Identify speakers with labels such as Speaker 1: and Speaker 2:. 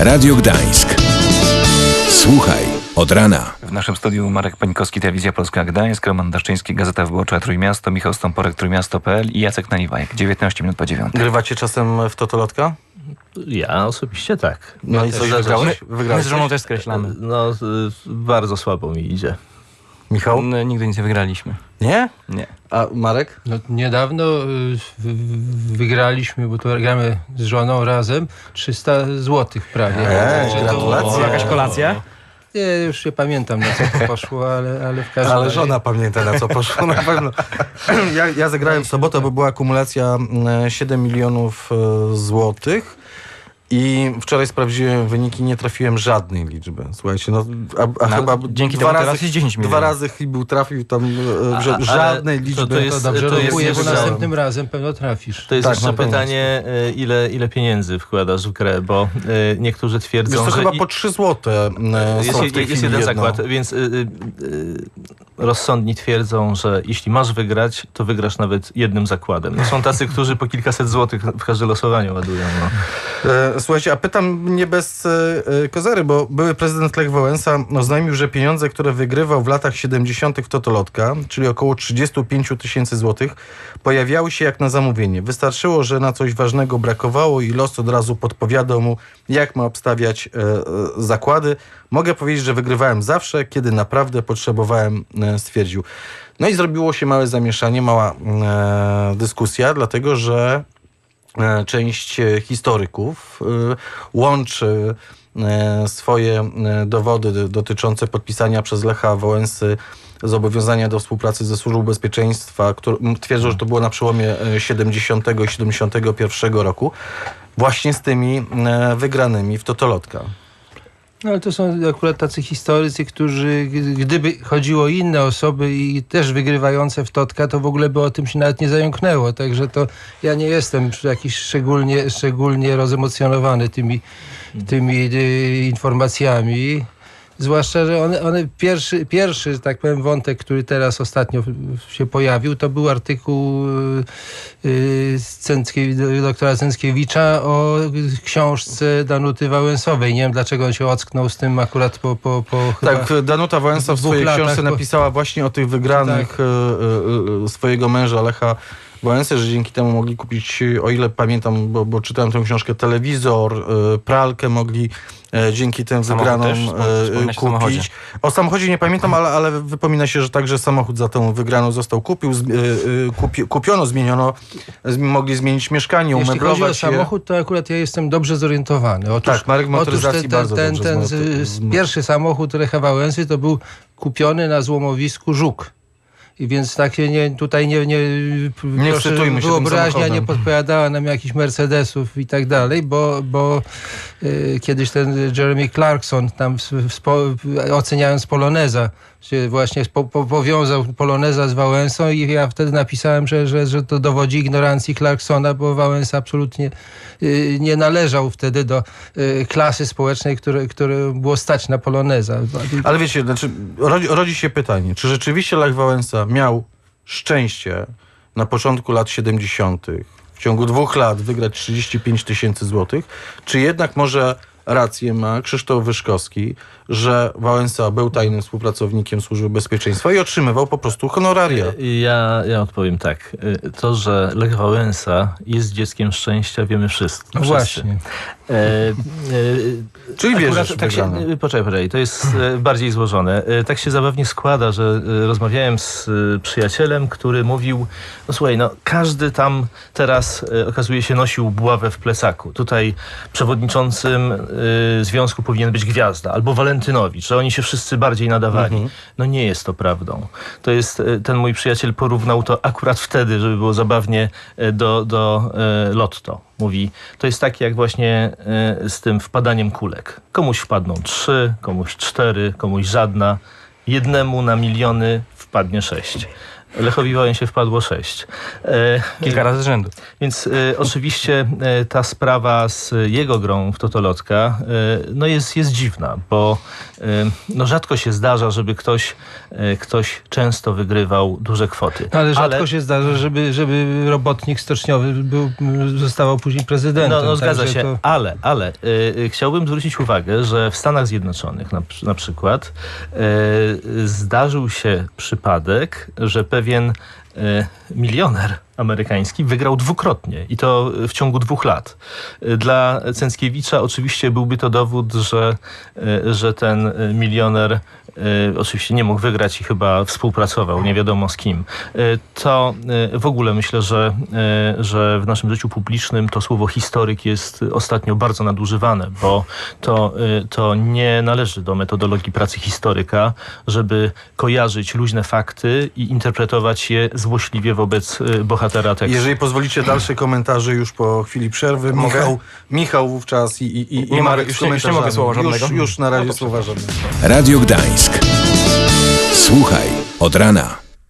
Speaker 1: Radio Gdańsk. Słuchaj od rana.
Speaker 2: W naszym studiu Marek Pańkowski, Telewizja Polska Gdańsk, Roman Daszczyński, Gazeta Wyborcza Trójmiasto, Michał Stąporek, Trójmiasto.pl i Jacek Naliwajek. 19 minut po 9.
Speaker 3: Grywacie czasem w totolotka?
Speaker 4: Ja osobiście tak.
Speaker 3: No i coś wygrałeś?
Speaker 5: My z żoną też skreślamy.
Speaker 4: No, bardzo słabo mi idzie.
Speaker 3: Michał?
Speaker 5: No, nigdy nic nie wygraliśmy.
Speaker 3: Nie?
Speaker 5: Nie.
Speaker 3: A Marek?
Speaker 6: No, niedawno wygraliśmy, bo to gramy z żoną razem, 300 zł prawie.
Speaker 3: Gratulacje.
Speaker 5: Jakaś kolacja?
Speaker 6: Nie, już nie pamiętam, na co to poszło, ale w każdym
Speaker 3: Ale
Speaker 6: razie...
Speaker 3: żona pamięta, na co poszło na pewno. Ja zagrałem w sobotę, bo była akumulacja 7 milionów złotych. I wczoraj sprawdziłem wyniki, nie trafiłem żadnej liczby. Słuchajcie, chyba
Speaker 5: dzięki temu teraz jest 10 milionów.
Speaker 3: 2 razy Chybił trafił tam żadnej liczby.
Speaker 6: To dobrze rokuję, bo
Speaker 4: jeszcze-
Speaker 6: następnym razem pewno trafisz.
Speaker 4: To jest
Speaker 3: Tak,
Speaker 4: jeszcze
Speaker 3: na pewno.
Speaker 4: pytanie, ile pieniędzy wkładasz w grę, bo niektórzy twierdzą,
Speaker 3: Wiesz, to
Speaker 4: że
Speaker 3: chyba po 3 złote
Speaker 4: jest
Speaker 3: są w tej chwili
Speaker 4: jeden
Speaker 3: jedno.
Speaker 4: zakład, więc rozsądni twierdzą, że jeśli masz wygrać, to wygrasz nawet jednym zakładem. No, są tacy, którzy po kilkaset złotych w każde losowanie ładują. No.
Speaker 3: Słuchajcie, a pytam nie bez kozery, bo były prezydent Lech Wałęsa oznajmił, że pieniądze, które wygrywał w latach 70. w Totolotka, czyli około 35 000 złotych, pojawiały się jak na zamówienie. Wystarczyło, że na coś ważnego brakowało i los od razu podpowiadał mu, jak ma obstawiać zakłady. Mogę powiedzieć, że wygrywałem zawsze, kiedy naprawdę potrzebowałem, stwierdził. No i zrobiło się małe zamieszanie, mała dyskusja, dlatego że część historyków łączy swoje dowody dotyczące podpisania przez Lecha Wałęsy zobowiązania do współpracy ze Służbą Bezpieczeństwa, twierdzą, że to było na przełomie 70 i 71 roku, właśnie z tymi wygranymi w Totolotka.
Speaker 6: No ale to są akurat tacy historycy, którzy gdyby chodziło o inne osoby i też wygrywające w Totka, to w ogóle by o tym się nawet nie zająknęło. Także to ja nie jestem jakiś szczególnie rozemocjonowany tymi informacjami. Zwłaszcza, że one pierwszy, tak powiem, wątek, który teraz ostatnio się pojawił, to był artykuł doktora Cęckiewicza o książce Danuty Wałęsowej. Nie wiem, dlaczego on się ocknął z tym akurat po
Speaker 3: Tak, Danuta Wałęsa w swojej książce napisała właśnie o tych wygranych swojego męża Lecha Wałęsy, że dzięki temu mogli kupić, o ile pamiętam, bo czytałem tę książkę, telewizor, pralkę mogli dzięki tym wygranom kupić. O samochodzie nie pamiętam, ale wypomina się, że także samochód za tą wygraną został kupiono, zmieniono, mogli zmienić mieszkanie,
Speaker 6: umeblować je. Jeśli chodzi o
Speaker 3: je.
Speaker 6: samochód, to akurat ja jestem dobrze zorientowany.
Speaker 3: Tak, Marek motoryzacji bardzo dobrze
Speaker 6: ten pierwszy samochód Lecha Wałęsy to był kupiony na złomowisku Żuk. I więc tak się
Speaker 3: nie wstytujmy się
Speaker 6: wyobraźnia nie podpowiadała nam jakichś Mercedesów i tak dalej, bo kiedyś ten Jeremy Clarkson tam oceniając Poloneza się właśnie powiązał Poloneza z Wałęsą i ja wtedy napisałem, że to dowodzi ignorancji Clarksona, bo Wałęsa absolutnie nie należał wtedy do klasy społecznej, które było stać na Poloneza.
Speaker 3: Ale wiecie, znaczy, rodzi się pytanie, czy rzeczywiście Lech Wałęsa miał szczęście na początku lat 70. w ciągu 2 lat wygrać 35 000 złotych, czy jednak może rację ma Krzysztof Wyszkowski, że Wałęsa był tajnym współpracownikiem Służby Bezpieczeństwa i otrzymywał po prostu honoraria.
Speaker 4: Ja odpowiem tak. To, że Lech Wałęsa jest dzieckiem szczęścia, wiemy wszyscy.
Speaker 6: No właśnie.
Speaker 3: Czyli wierzysz
Speaker 4: tak poczekaj, to jest bardziej złożone. Tak się zabawnie składa, że rozmawiałem z przyjacielem, który mówił, no słuchaj, każdy tam teraz okazuje się nosił buławę w plecaku. Tutaj przewodniczącym związku powinien być Gwiazda albo Walentynowicz, że oni się wszyscy bardziej nadawali. No nie jest to prawdą. To jest, ten mój przyjaciel porównał to akurat wtedy, żeby było zabawnie, do Lotto. Mówi, to jest tak jak właśnie z tym wpadaniem kulek. Komuś wpadną 3, komuś 4, komuś żadna. Jednemu na miliony wpadnie 6. Lechowi Wałęsie wpadło 6.
Speaker 5: Kilka razy z rzędu.
Speaker 4: Więc oczywiście ta sprawa z jego grą w totolotka no jest dziwna, bo no rzadko się zdarza, żeby ktoś często wygrywał duże kwoty.
Speaker 6: Ale rzadko się zdarza, żeby robotnik stoczniowy zostawał później prezydentem.
Speaker 4: No zgadza się,
Speaker 6: to...
Speaker 4: ale chciałbym zwrócić uwagę, że w Stanach Zjednoczonych na przykład zdarzył się przypadek, że pewien milioner amerykański wygrał dwukrotnie i to w ciągu 2 lat. Dla Cęckiewicza oczywiście byłby to dowód, że ten milioner oczywiście nie mógł wygrać i chyba współpracował, nie wiadomo z kim. To w ogóle myślę, że w naszym życiu publicznym to słowo historyk jest ostatnio bardzo nadużywane, bo to nie należy do metodologii pracy historyka, żeby kojarzyć luźne fakty i interpretować je złośliwie wobec bohatera tekstu.
Speaker 3: Jeżeli pozwolicie, dalsze komentarze już po chwili przerwy. Michał wówczas i
Speaker 5: Nie
Speaker 3: Marek
Speaker 5: już
Speaker 3: z
Speaker 5: nie
Speaker 3: komentarzami.
Speaker 5: mogę słowa żadnego?
Speaker 3: Już na razie słowa żadnego.
Speaker 1: Radio Gdańsk. Słuchaj od rana.